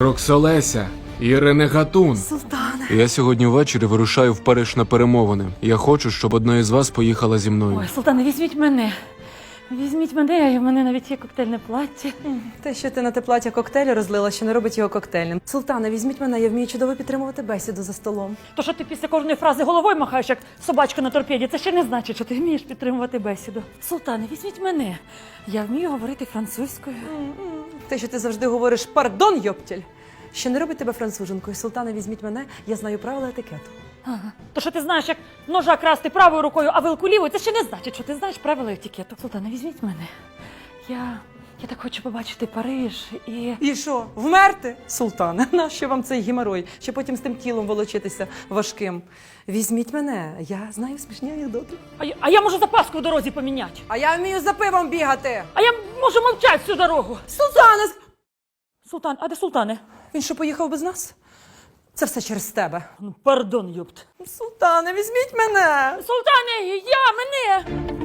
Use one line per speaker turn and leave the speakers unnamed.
Роксолеся, Ірина Гатун.
Султане.
Я сьогодні ввечері вирушаю в Париж на перемовини. Я хочу, щоб одна із вас поїхала зі мною.
Ой, Султане, візьміть мене. Візьміть мене, в мене навіть є коктейльне плаття.
Те, що ти на те плаття коктейлю розлила, ще не робить його коктейльним. Султане, візьміть мене, я вмію чудово підтримувати бесіду за столом.
То, що ти після кожної фрази головою махаєш, як собачка на торпеді, це ще не значить, що ти вмієш підтримувати бесіду. Султане, візьміть мене. Я вмію говорити французькою.
Те, що ти завжди говориш «пардон, йоптіль», ще не робить тебе француженкою. Султане, візьміть мене, я знаю правила етикету.
Ага. То, що ти знаєш, як ножа красти правою рукою, а вилку лівою, це ще не значить, що ти знаєш правила етикету. Султане, візьміть мене. Я так хочу побачити Париж і...
І що, вмерти? Султане, нащо вам цей геморой? Ще потім з тим тілом волочитися важким. Візьміть мене, я знаю смішні анекдоти.
А я можу запаску в дорозі поміняти.
А я вмію за пивом бігати.
А я можу мовчати всю дорогу.
Султане!
Султан, а де Султане?
Він що, поїхав без нас? Це все через тебе.
Ну, пардон, юпт.
Султане, візьміть мене!
Султане, мене!